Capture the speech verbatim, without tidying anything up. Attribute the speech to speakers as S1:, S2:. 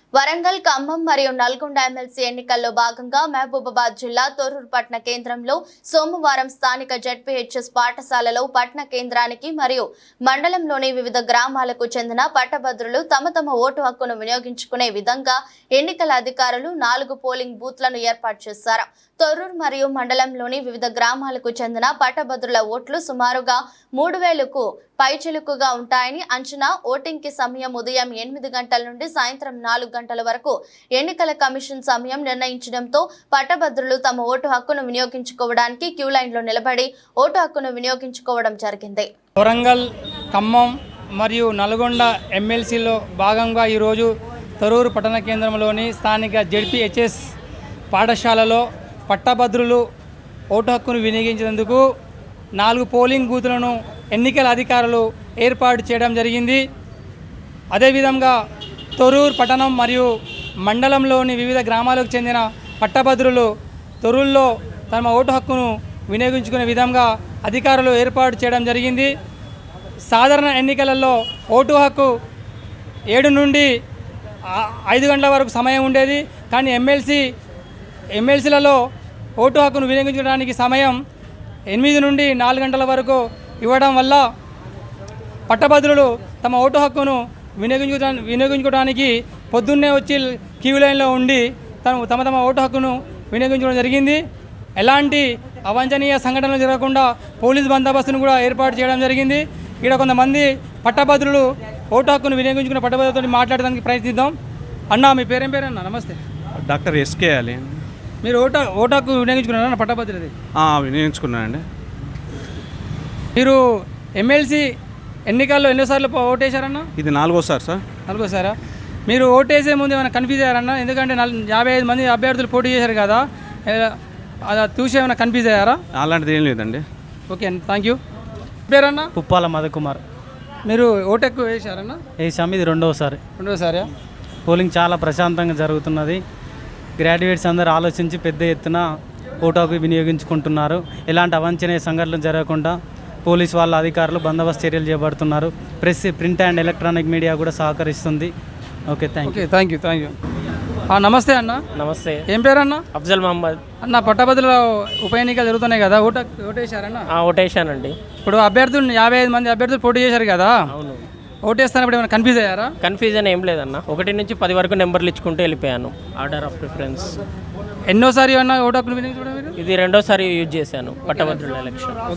S1: వరంగల్, ఖమ్మం మరియు నల్గొండ ఎమ్మెల్సీ ఎన్నికల్లో భాగంగా మహబూబాబాద్ జిల్లా తొర్రూరు పట్టణ కేంద్రంలో సోమవారం స్థానిక జెడ్పీహెచ్ఎస్ పాఠశాలలో పట్టణ కేంద్రానికి మరియు మండలంలోని వివిధ గ్రామాలకు చెందిన పట్టభద్రులు తమ తమ ఓటు హక్కును వినియోగించుకునే విధంగా ఎన్నికల అధికారులు నాలుగు పోలింగ్ బూత్లను ఏర్పాటు చేశారు. తొర్రూరు మరియు మండలంలోని వివిధ గ్రామాలకు చెందిన పట్టభద్రుల ఓట్లు సుమారుగా మూడు వేలకు పైచిలుకుగా ఉంటాయని అంచనా. ఓటింగ్ కి సమయం ఉదయం ఎనిమిది గంటల నుండి సాయంత్రం నాలుగు గంటల వరకు ఎన్నికల కమిషన్ సమయం నిర్ణయించడంతో పట్టభద్రులు తమ ఓటు హక్కును వినియోగించుకోవడానికి క్యూ లైన్ లో నిలబడి ఓటు హక్కును వినియోగించుకోవడం జరిగింది.
S2: వరంగల్, ఖమ్మం మరియు నల్గొండ ఎమ్మెల్సీలో భాగంగా ఈరోజు తొర్రూరు పట్టణ కేంద్రంలోని స్థానిక జెడ్పీహెచ్ఎస్ పాఠశాలలో పట్టభద్రులు ఓటు హక్కును వినియోగించేందుకు నాలుగు పోలింగ్ బూతులను ఎన్నికల అధికారులు ఏర్పాటు చేయడం జరిగింది. అదేవిధంగా తొర్రూరు పట్టణం మరియు మండలంలోని వివిధ గ్రామాలకు చెందిన పట్టభద్రులు తొర్రూరులో తమ ఓటు హక్కును వినియోగించుకునే విధంగా అధికారులు ఏర్పాటు చేయడం జరిగింది. సాధారణ ఎన్నికలలో ఓటు హక్కు ఏడు నుండి ఐదు గంటల వరకు సమయం ఉండేది. కానీ ఎమ్మెల్సీ ఎమ్మెల్సీలలో ఓటు హక్కును వినియోగించడానికి సమయం ఎనిమిది నుండి నాలుగు గంటల వరకు ఇవ్వడం వల్ల పట్టభద్రులు తమ ఓటు హక్కును వినియోగించు వినియోగించుకోవడానికి పొద్దున్నే వచ్చి క్యూ లైన్లో ఉండి తమ తమ తమ ఓటు హక్కును వినియోగించడం జరిగింది. ఎలాంటి అవాంఛనీయ సంఘటనలు జరగకుండా పోలీస్ బందోబస్తును కూడా ఏర్పాటు చేయడం జరిగింది. ఇక్కడ కొంతమంది పట్టభద్రులు ఓటు హక్కును వినియోగించుకున్న పట్టభద్రులతో మాట్లాడడానికి ప్రయత్నిద్దాం. అన్న, మీ పేరేం పేరు అన్న? నమస్తే.
S3: Doctor SK Ali.
S2: మీరు ఓటు ఓటు హక్కు వినియోగించుకున్నారా పట్టభద్రులది?
S3: వినియోగించుకున్నానండి.
S2: మీరు ఎమ్మెల్సీ ఎన్నికల్లో ఎన్నోసార్లు ఓటేశారన్నా?
S3: ఇది నాలుగోసారి సార్.
S2: నాలుగోసారా? మీరు ఓటేసే ముందు ఏమైనా కన్ఫ్యూజ్ అయ్యారన్నా? ఎందుకంటే యాభై ఐదు మంది అభ్యర్థులు పోటీ చేశారు కదా, అది చూసి ఏమైనా కన్ఫ్యూజ్ అయ్యారా?
S3: అలాంటిది ఏం లేదండి.
S2: ఓకే అండి, థ్యాంక్ యూ. పేరన్నా?
S4: పుప్పాల మధుకుమార్.
S2: మీరు ఓటు ఎక్కువ వేశారన్నా?
S4: వేసాము, ఇది రెండవసారి.
S2: రెండోసారి
S4: పోలింగ్ చాలా ప్రశాంతంగా జరుగుతున్నది. గ్రాడ్యుయేట్స్ అందరూ ఆలోచించి పెద్ద ఎత్తున ఓటు హక్కు వినియోగించుకుంటున్నారు. ఎలాంటి అవాంఛనీయ సంఘటనలు జరగకుండా పోలీసు వాళ్ళ అధికారులు బందోబస్తు చర్యలు చేపడుతున్నారు. Press, print and electronic media కూడా సహకరిస్తుంది. Okay, thank you.
S2: Thank you thank you నమస్తే అన్న.
S5: నమస్తే.
S2: ఏం పేరు అన్న?
S5: అఫ్జల్ మహమ్మద్
S2: అన్న. పట్టభద్రుల ఉప ఎన్నికలు జరుగుతున్నాయి కదా, ఓటు ఓటేశారన్న?
S5: ఓటేశానండి.
S2: ఇప్పుడు అభ్యర్థులు యాభై ఐదు మంది అభ్యర్థులు పోటీ చేశారు కదా,
S5: అవును.
S2: ఓటేస్తానప్పుడు ఏమైనా కన్ఫ్యూజ్ అయ్యారా?
S5: కన్ఫ్యూజన్ ఏం లేదన్న. ఒకటి నుంచి పది వరకు నెంబర్లు ఇచ్చుకుంటూ వెళ్ళిపోయాను, ఆర్డర్ ఆఫ్ ప్రిఫరెన్స్.
S2: ఎన్నోసారి అన్న ఓటు హక్కును వినియోగించుకోవడం?
S5: ఇది రెండోసారి యూజ్ చేశాను పట్టభద్రుల ఎలక్షన్.